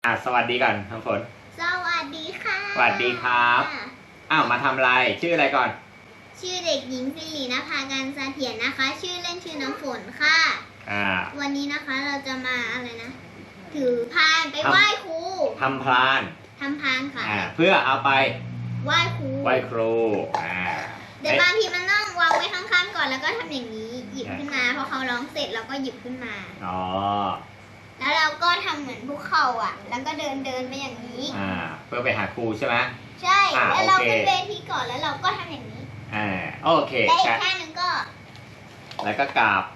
สวัสดีก่อนน้ำฝนสวัสดีค่ะสวัสดีครับมาทำอะไรชื่ออะไรก่อนชื่อเด็กหญิงสิรินภาการเสถียรนะคะชื่อเล่นชื่อน้ำฝนค่ะวันนี้นะคะเราจะมาอะไรนะถือพานไปไหว้ครูทำพานค่ะเพื่อเอาไปไหว้ครูเดี๋ยวบางทีมันต้องวางไว้ข้างๆก่อนแล้วก็ทำอย่างนี้หยิบขึ้นมาพอเขาร้องเสร็จเราก็หยิบขึ้นมาแล้วเราก็ทำเหมือนภูเขาแล้วก็เดินไปอย่างนี้เพื่อไปหาครูใช่ไหมใช่แล้วเราขึ้นเวทีก่อนแล้วเราก็ทำอย่างนี้โอเคได้อีกแค่นึงก็แล้วก็กราบ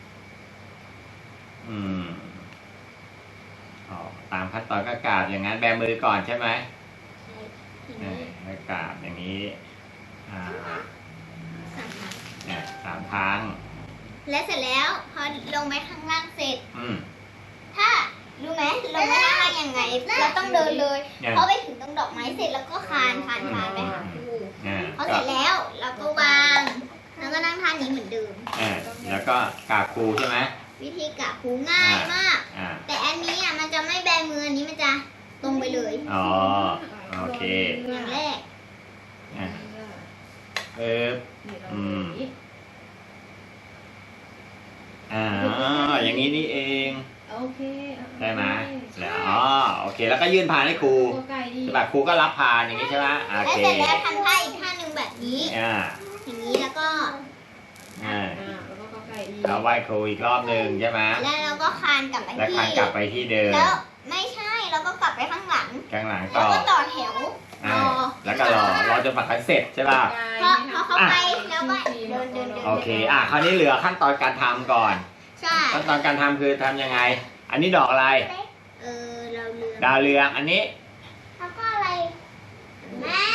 ตามขั้นตอนก็กราบอย่างนั้นแบมือก่อนใช่ไหมแล้วกราบอย่างนี้3 ครั้งและเสร็จแล้วพอลงไปข้างล่างเสร็จถ้ารู้ไหมลงไปข้างล่างยังไงเราต้องเดินเลยเพราะไปถึงตรงดอกไม้เสร็จแล้วก็คานไปหาครูพอเสร็จแล้วเราก็วางแล้วก็นั่งท่านี้เหมือนเดิมแล้วก็กราบครูใช่ไหมวิธีกราบครูง่ายมากแต่อันนี้มันจะไม่แบมืออันนี้มันจะตรงไปเลยโอเคอย่างแรกอย่างนี้นี่เองโอเคใช่ไหมแล้วโอเคแล้วก็ยื่นพานให้ครูแบบครูก็รับพานอย่างนี้ใช่ไหมโอเคแล้วเสร็จแล้วทำท่าอีกท่าหนึ่งแบบนี้อย่างนี้แล้วก็เราไหว้ครูอีกรอบหนึ่งใช่ไหมแล้วเราก็คานกลับไปที่เดิมแล้วไม่ใช่เราก็กลับไปข้างหลังต่อแล้วก็ต่อแถวแล้วก็รอจนปักกันเสร็จใช่ป่ะพอเขาไปแล้วก็เดินโอเคคราวนี้เหลือขั้นตอนการทำก่อนขั้นตอนการทำคือทำยังไงอันนี้ดอกอะไรดาวเรืองอันนี้แล้วก็อะไรแม่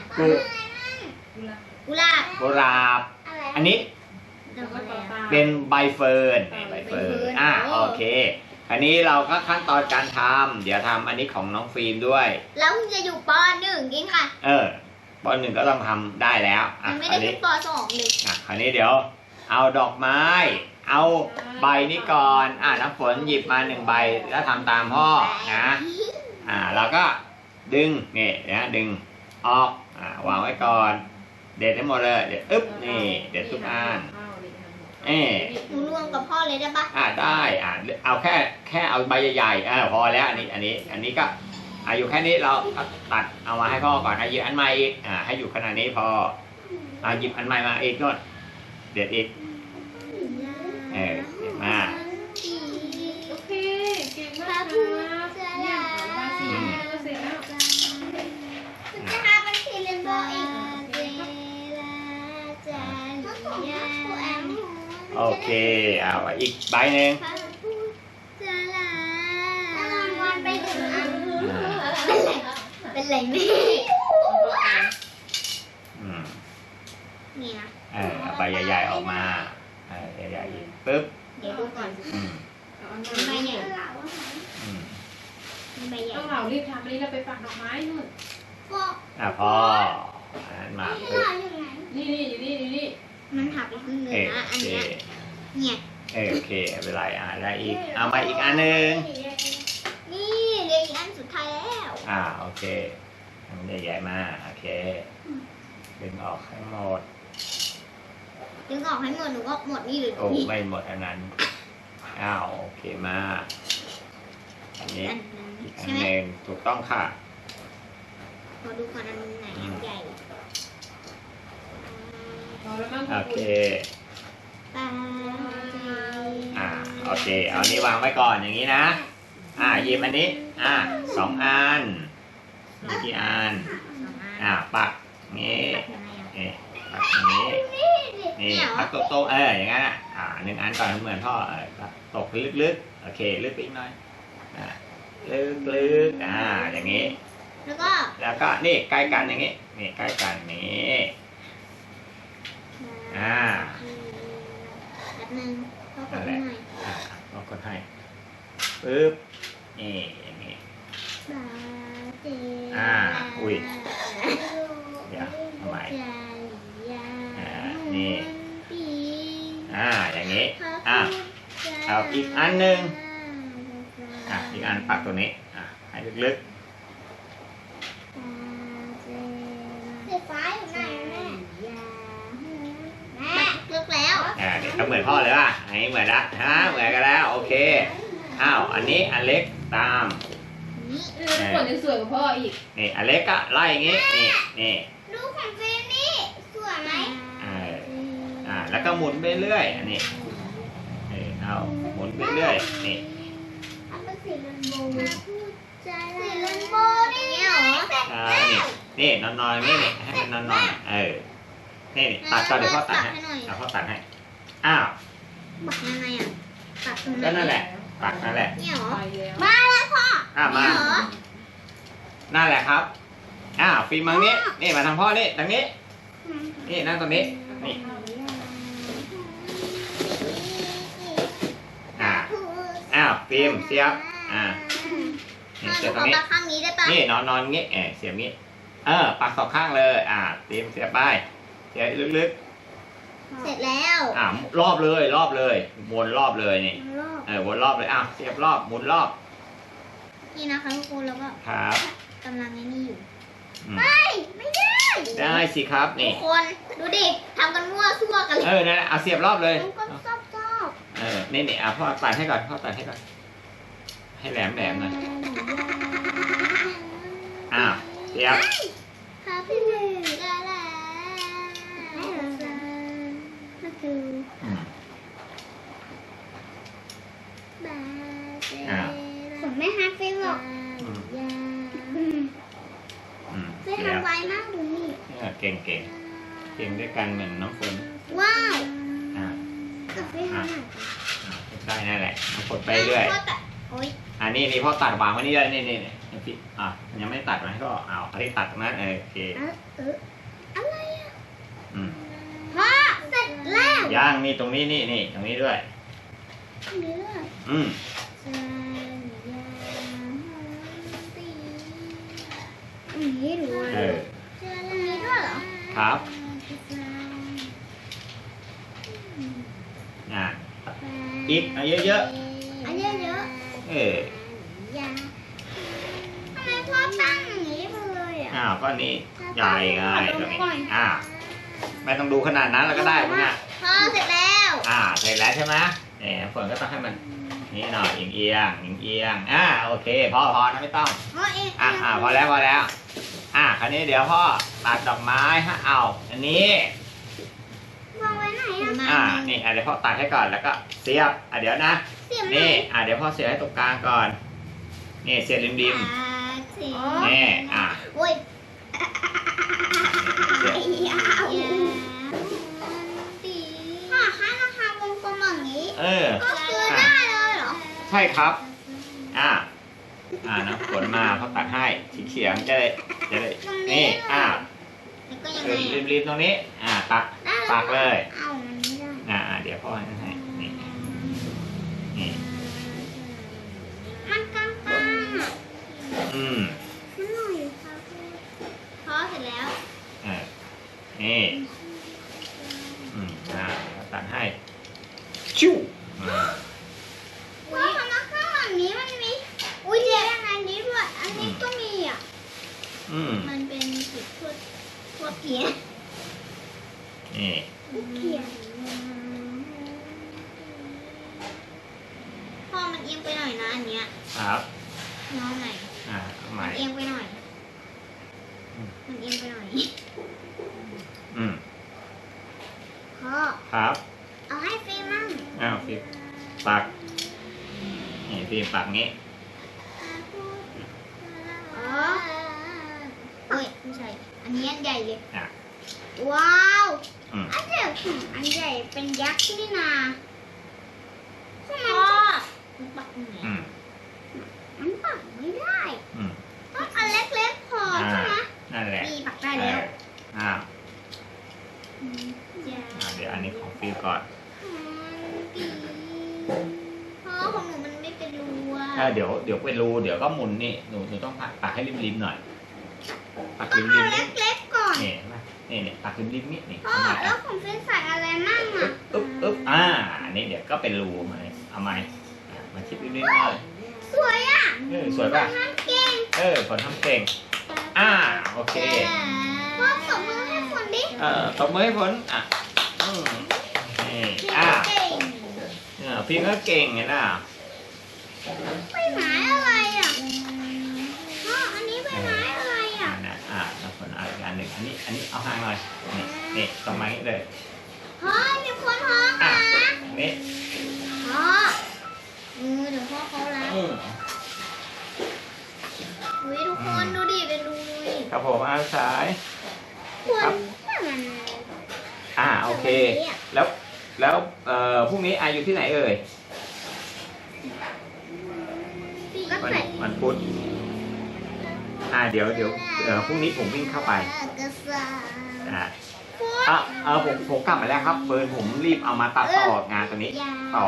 กุหลาบอันนี้เป็นใบเฟิร์นโอเคอันนี้เราก็ขั้นตอนการทำเดี๋ยวทำอันนี้ของน้องฟิล์มด้วยแล้วคุณจะอยู่ป.1จริงค่ะป.1ก็ต้องทำได้แล้วไม่ได้ขึ้นป.2เลยคราวนี้เดี๋ยวเอาดอกไม้เอาใบนี้ก่อนน้ำฝนหยิบมา1 ใบแล้วทำตามพ่อนะเราก็ดึงนี่นะดึงออกวางไว้ก่อนเด็ดให้หมดเลยเด็ดนี่เด็ดทุกอันหนูรวมกับพ่อเลยได้ปะได้เอาแค่เอาใบใหญ่ๆพอแล้วอันนี้ก็อยู่แค่นี้เราตัดเอามาให้พ่อก่อนหยิบอันใหม่อีกให้อยู่ขนาดนี้พอหยิบอันใหม่มาอีกนู่นเด็ดอีกเด็ดมากโอเคเก่งมากครับเสร็จแล้วจะทำเป็นทีเรนโบว์อีกโอเคเอาอีกใบหนึ่งเป็นไรแม่นี่นะเอาใบใหญ่ๆออกมาใหญ่ๆปึ๊บเดี๋ยวดูก่อนใบใหญ่ต้องเหล่ารีบทำอันนี้เราไปปักดอกไม้นู่นพอมาปึ๊บนี่อยู่นี่มันหักไปครึ่งนึงนะอันนี้เนี่ยโอเคไม่เป็นไรได้อีกเอามาอีกอันนึงนี่เหลืออีกอันสุดท้ายแล้วโอเคมันใหญ่ๆมาโอเคดึงออกให้หมดหนูก็หมดนี่หรือไม่หมดอันนั้นโอเคมาอันนี้อีกอันนึงถูกต้องค่ะพอดูก่อนอันไหนใหญ่โอเคโอเคเอานี้วางไว้ก่อนอย่างนี้นะหยิบอันนี้2 อันมีกี่อันปักนี้ปักอย่างนี้นี่ปักโต๊ะอย่างนั้น1 อันก่อนเหมือนพ่อตกลึกๆโอเคลึกไปอีกหน่อยลึกอย่างนี้แล้วก็นี่ใกล้กันอย่างนี้นี่ใกล้กันนี้แบบนึงก็กดให้ก็กดให้ปึ๊บนี่อย่างนี้อุ้ยเดี๋ยวทำไมนี่อย่างนี้เอาอีกอันนึงอีกอันปักตัวนี้ให้ให้ลึกสีฟ้าอยู่ไหนแม่แม่ลึกแล้วเดี๋ยวเหมือนพ่อเลยว่ะอันนี้เหมือนละฮะเหมือนกันแล้วโอเคอ้าวอันนี้อันเล็กตามขนยังสวยกว่าพ่ออีกนี่อันเล็กก็ไล่อย่างงี้นี่ดูของเฟรมนี่สวยไหมแล้วก็หมุนไปเรื่อยอันนี้เอาหมุนไปเรื่อยนี่อันเป็นสีเรนโบว์สีเรนโบว์นี่เหรอเสร็จแล้วนี่นอนๆนี่ให้มันนอนนี่ตัดก็เดี๋ยวพ่อตัดให้เอาพ่อตัดให้อ้าวปักยังไงอ่ะปักตรงไหนก็นั่นแหละปักนั่นแหละนี่เหรอไปแล้วมาแล้วพ่อมานี่เหรอนั่นแหละครับฟิล์มมาทางนี้นี่มาทางพ่อนี่ทางนี้นี่นั่งตรงนี้นี่ฟิล์มเสียบนี่เสียบตรงนี้ปักข้างนี้ได้ปะนี่นอนงี้เสียบงี้ปักสองข้างเลยฟิล์มเสียบไปเสียบลึกเสร็จแล้วรอบเลยวนรอบเลยนี่วนรอบเลยเสียบรอบหมุนรอบนี่นะคะทุกคนแล้วก็ครับกำลังไอ้นี่อยู่ไม่ไม่ได้ได้สิครับทุนี่กคนดูดิทำกันมั่วซั่วกันเลยนั่นแหละเสียบรอบเลยทุกคนชอบนี่พ่อตัดให้ก่อนให้แหลมหน่อยเสียบค่ะพี่หนึ่งก็แล้วก็คือผมไม่ฮักฟิลหรอกฟิลทำไวมากดูนี่เก่งด้วยกันเหมือนน้องฝนว้าวกับฟิลทำหน่อยได้นั่นแหละน้องฝนไปเรื่อยโอ๊ยนี่พ่อตัดวางไว้นี่เลยนี่พี่ยังไม่ตัดมันก็เอาอันนี้ตัดตรงนั้นโอเคอะไรอ่ะพ่อเสร็จแล้วย่างนี่ตรงนี้นี่ตรงนี้ด้วยเนื้อนี่ดูมีด้วยเหรอครับอีกเยอะอันเยอะๆทำไมพ่อตั้งอย่างนี้ไปเลยอ่ะก็นี่ใหญ่ไงตรงนี้ไม่ต้องดูขนาดนั้นแล้วก็ได้พวกเนี้ยพ่อเสร็จแล้วเสร็จแล้วใช่ไหมฝนก็ต้องให้มันนี่หน่อยเอียงโอเคพอนะไม่ต้องพ่อเองพอแล้วคราวนี้เดี๋ยวพ่อตัดดอกไม้เอาอันนี้วางไว้ไหนอ่ะนี่เดี๋ยวพ่อตัดให้ก่อนแล้วก็เสียบเดี๋ยวนะเสียบนี่เดี๋ยวพ่อเสียบให้ตรงกลางก่อนนี่เสียบริมนี่ โอ้ยเสียบพ่อคะราคาวงกลมอย่างนี้ ก็คือได้เลยเหรอใช่ครับนะฝนมาพ่อตัดให้สีเขียวจะได้นี่แล้วก็ยังไงริมตรงนี้ปักเลยเอามันไม่ได้เดี๋ยวพ่อให้นี่มันกลางๆอ่ะ นิดหน่อยค่ะพ่อเสร็จแล้วนี่ตัดให้ชิวพ่อทำมาข้างหลังนี้มันมีอุ้ยเจ๊อันนี้ด้วยอันนี้ก็มีอ่ะมันเป็นจุดทั่วเกียร์นี่เกียร์พ่อมันเอียงไปหน่อยนะอันเนี้ยครับน้องไหนใหมัม่นเอียงไปหน่อยมันเอียงไปหน่อยพ่อครับเอาให้ฟิล์มมั่งฟิล์มปักนี่ฟิล์มปักงี้อ๋อเฮ้ยไม่ใช่อันนี้อันใหญ่เลยอ่ะว้าวอันใหญ่เป็นยักษ์นี่นาพ่อมันปักไหนมันปักไม่ได้ต้องอันเล็กๆพอใช่ไหมนั่นแหละมีปักได้แล้วเดี๋ยวอันนี้ของฟิล์มก่อนพ่อของหนูมันไม่เป็นรูอ่ะเดี๋ยวเป็นรูเดี๋ยวก็หมุนนี่หนูต้องปักให้ริมหน่อยปักต้องริเอามเล็กๆก่อนนี่ปักริมนี่พ่อแล้วของเฟนใส่อะไรมั่งอ่ะอึ๊บอันนี้เดี๋ยวก็เป็นรูมาเอาไหมมาชิดริมหน่อยสวยอ่ะสวยป่ะทำเก่งฝนทำเก่งโอเคพ่อตบมือให้ฝนดิตบมือให้ฝนนี่เก่งพี่ก็เก่งไงล่ะใบไม้อะไรอ่ะพ่ออันนี้ใบไม้อะไรอ่ะแล้วฝนเอาอีกอันหนึ่งอันนี้เอาห่างหน่อยนี่ตรงไม้เลยพ่อมีคนท้องนะนี่พ่อเดี๋ยวพ่อเขาแล้วอุ้ยทุกคนดูดิเป็นรูเลยครับผมเอาสายควรมันโอเคแล้วพรุ่งนี้อยู่ที่ไหนเอ่ยก็ใส่วันพุธเดี๋ยวพรุ่งนี้ผมวิ่งเข้าไปกระซ่าผมกลับมาแล้วครับเฟิร์นผมรีบเอามาตัดต่องานตัวนี้ต่อ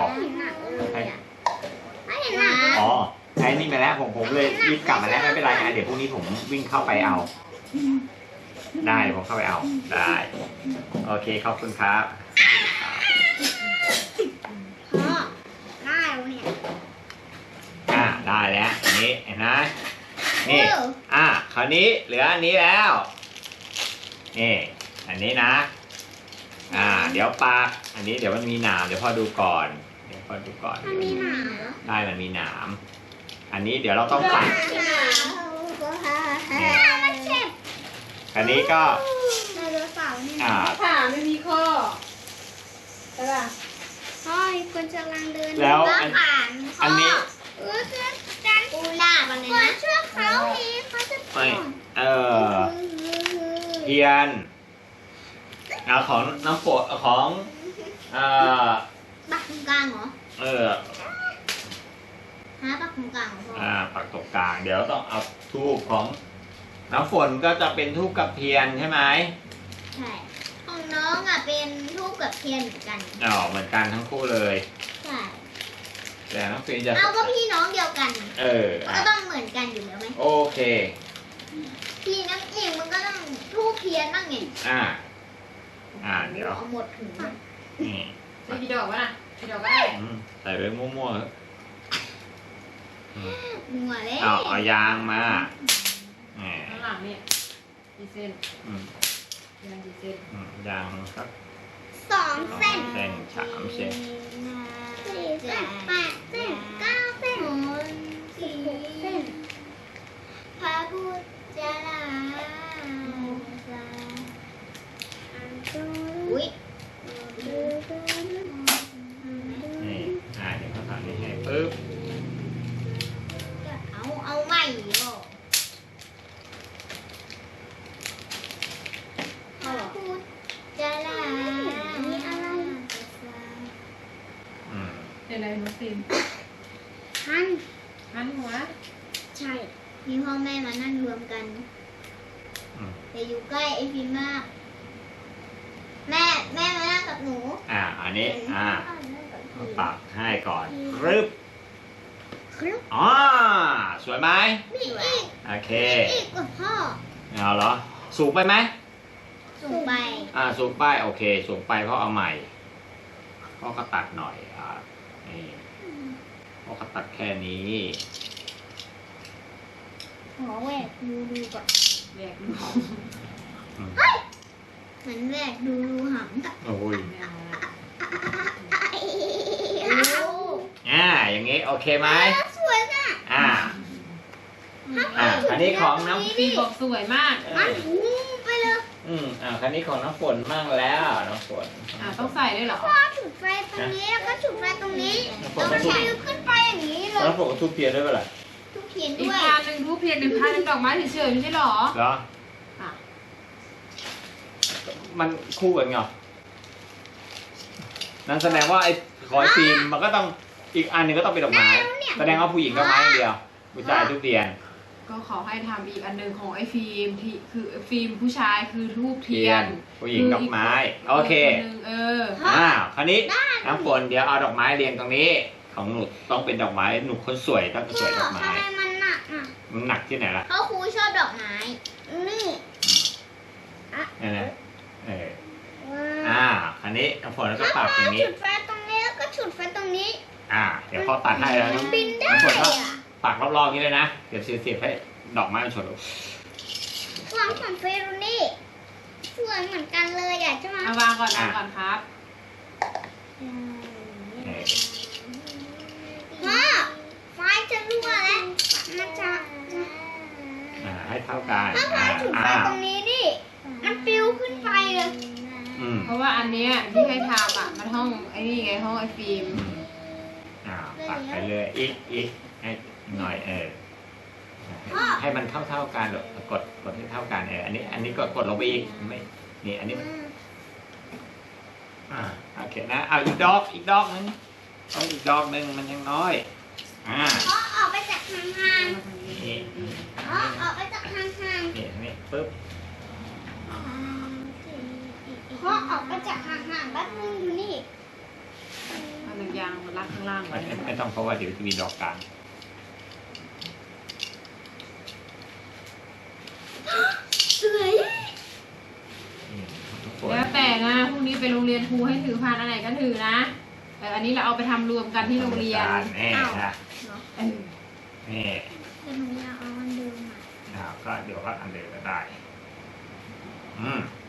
ไม่เห็นหนักใช้นี่มาแล้วผมเลยรีบกลับมาแล้วไม่เป็นไรนะเดี๋ยวพรุ่งนี้ผมวิ่งเข้าไปเอาได้ผมเข้าไปเอาได้โอเคขอบคุณครับพ่อได้แล้วเนี่ยได้แล้วอันนี้เห็นไหมนี่คราวนี้เหลืออันนี้แล้วนี่อันนี้นะเดี๋ยวปากอันนี้เดี๋ยวมันมีหนามเดี๋ยวพ่อดูก่อนมันมีหนามได้มันมีหนามอันนี้เดี๋ยวเราต้องปักมันเจ็บอันนี้ก็ไดโนเสาร์นี่ขาไม่มีข้อใช่ป่ะพ่อคนกำลังเดินแล้วผ่านอันนี้การปูลาบอะไรนะเชื่อเขาทีเขาจะเทียนของน้ำฝนของปักตรงกลางเหรอปักตรงกลางเหรอพ่อปักตรงกลางเดี๋ยวต้องเอาทูบของน้ำฝนก็จะเป็นทูบกับเทียนใช่ไหมใช่ของน้องเป็นทูบกับเทียนเหมือนกันเหมือนกันทั้งคู่เลยใช่แต่น้องฟินจะก็พี่น้องเดียวกันก็ต้องเหมือนกันอยู่แล้วไหมโอเคพี่น้ำอิงมันก็ต้องทูบเทียนบ้างไงเดี๋ยวเอาหมดถึงนี่ใส่กี่ดอกวะน่ะกี่ดอกก็ได้ใส่ไปมั่วมัวเลยเอายางมาข้างหลังเนี่ยกี่เส้นยางกี่เส้นยางสัก 2 เส้น 3 เส้น 4 เส้น8 เส้น9 เส้น16 เส้นพระพุทธเจ้าอุ้ยนี่เดี๋ยวเขาทำนี่ให้ปึ๊บเอาใหม่หรอพูดจะลามีอะไรเป็นอะไรน้องฟิล์มหันหัวใช่มีพ่อแม่มานั่งรวมกันแต่อยู่ใกล้ไอ้ฟิล์มมากแม่มานั่งกับหนูอันนี้ปักให้ก่อนสวยไหมมีอีกโอเคอีกกับพ่อเอาเหรอสูงไปไหมสูงไปสูงไปโอเคสูงไปเพราะเอาใหม่พ่อก็ตัดหน่อยนี่พ่อก็ตัดแค่นี้ขอแหวกดูก่อนแหวกดูเหมือนแหวกดูหำโอ้ยอย่างงี้โอเคไหมสวยน่ะอันนี้ของน้ำฟิล์มบอกสวยมากไปเลยคันนี้ของน้ำฝนมั่งแล้วน้ำฝนต้องใส่ด้วยเหรอพ่อจุดไฟตรงนี้แล้วก็จุดไฟตรงนี้แล้วก็ใช้ขึ้นไปอย่างนี้เลยน้ำฝนก็ทุบเทียนด้วยเปล่าทุบเทียนด้วยอีกพานหนึ่งทุบเทียน1 พานดอกไม้เฉยๆไม่ใช่หรอมันคู่กันไงนั่นแสดงว่าไอ้คอยฟิล์มมันก็ต้องอีกอันหนึ่งก็ต้องเป็นดอกไม้แสดงว่าผู้หญิงก็ไม้อย่างเดียวผู้ชายทุบเทียนก็ขอให้ทำอีกอันหนึ่งของไอ้ฟิล์มที่คือฟิล์มผู้ชายคือทูบเทียนผู้หญิงดอกไม้โอเคคราวนี้น้ำฝนเดี๋ยวเอาดอกไม้เรียงตรงนี้ของหนูต้องเป็นดอกไม้หนูคนสวยต้องสวยดอกไม้ทำไมมันหนักมันหนักที่ไหนล่ะเพราะครูชอบดอกไม้นี่คราวนี้น้ำฝนแล้วก็ปักอย่างนี้จุดไฟตรงนี้แล้วก็จุดไฟตรงนี้เดี๋ยวพอตัดให้แล้วน้ำฝนก็ปักรอบๆนี้เลยนะเดี๋ยวเสียบให้ดอกไม้มันชนลูกวางของเฟรุนี่สวยเหมือนกันเลยอ่ะใช่ไหมเอาวางก่อนครับพ่อไฟจะรั่วแล้วมันจะให้เท่ากันถ้าไฟถูกไฟตรงนี้ดิมันปิวขึ้นไปเลยเพราะว่าอันเนี้ยที่ให้ทำอ่ะมันห้องไอ้นี่ไงห้องไอ้ฟิล์มปักไปเลยอีกให้หน่อยให้มันเท่ากันหรอกดให้เท่ากันอันนี้กดลงไปอีกไม่นี่อันนี้โอเคนะเอาอีกดอกนึงต้องอีกดอกนึงมันยังน้อยพ่อออกไปจากห่างนี่ๆพ่อออกไปจากห่างนี่ปึ๊บๆพ่อออกไปจากห่างๆแป๊บนึงดูนี่เอาหนังยางมารัดข้างล่างไว้ไม่ต้องเพราะว่าเดี๋ยวจะมีดอกกลางสวยแล้วแต่นะพรุ่งนี้ไปโรงเรียนครูให้ถือพานอันไหนก็ถือนะแต่อันนี้เราเอาไปทำรวมกันที่โรงเรียนนี่นะนี่แต่หนูอยากเอาอันเดิมอ่ะก็เดี๋ยวก็อันเดิมก็ได้